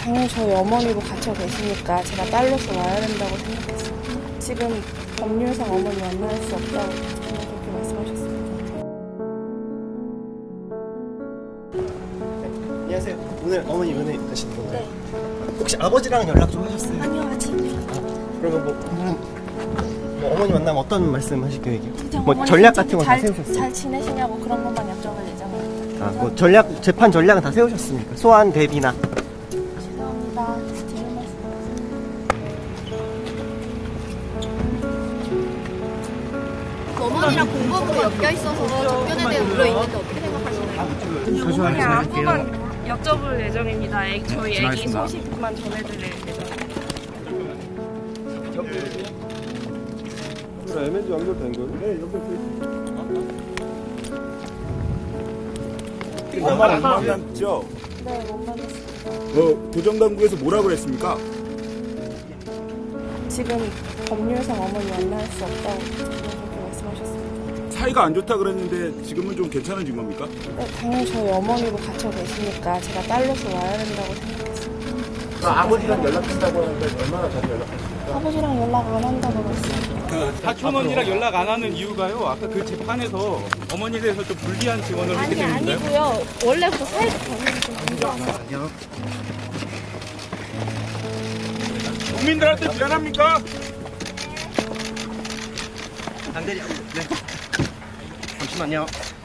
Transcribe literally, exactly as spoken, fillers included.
당연히 저희 어머니도 갇혀 계시니까 제가 딸로서 와야 된다고 생각했어요. 지금 법률상 어머니 만날 수 없다고 저는 그렇게 말씀하셨습니다. 네, 안녕하세요. 오늘 어머니 은혜 되시는 건가요? 네. 혹시 아버지랑 연락 좀 하셨어요? 아니요, 아직요. 아, 그러면 뭐, 음, 뭐 어머니 만나면 어떤 말씀 하실 계획이에요? 뭐 어머니 전략 같은 거 다 잘, 세우셨어요? 잘 지내시냐고 그런 것만 여쭤볼 예정입니다. 아, 뭐 전략, 재판 전략은 다 세우셨습니까? 소환 대비나. 죄송합니다. 드릴 말씀 어머니랑 공범으로 엮여 있어서 접견에 대해 물어 있는데 어떻게 생각하시나요? 그냥 앞부분 여쭤볼 예정입니다. 애기, 저희 애기 소식만 전해드릴 예정입니다. 엠엔지 연결된 거예요? 네, 연결돼 있어요. 엄마랑 못 만났죠? 네, 못 만났습니다. 어, 도정당국에서 뭐라 그랬습니까? 지금 법률상 어머니 만날 수 없다고 저는 그렇게 말씀하셨습니다. 사이가 안 좋다 그랬는데 지금은 좀 괜찮아진 겁니까? 네, 당연히 저희 어머니도 갇혀 계시니까 제가 딸로서 와야 된다고 생각했어요. 아버지랑 연락한다고 하는데 얼마나 자주 연락하십니까? 아버지랑 연락 안 한다고 그랬어요. 그 사촌언니랑 연락 안 하는 이유가요? 아까 그 재판에서 어머니에 대해서 좀 불리한 증언을 했기 아니, 때문인가요? 아니고요. 원래부터 사이가 당연히 좀 문제가 국민들한테 미안합니까? 안 되냐? 네. 잠시만요.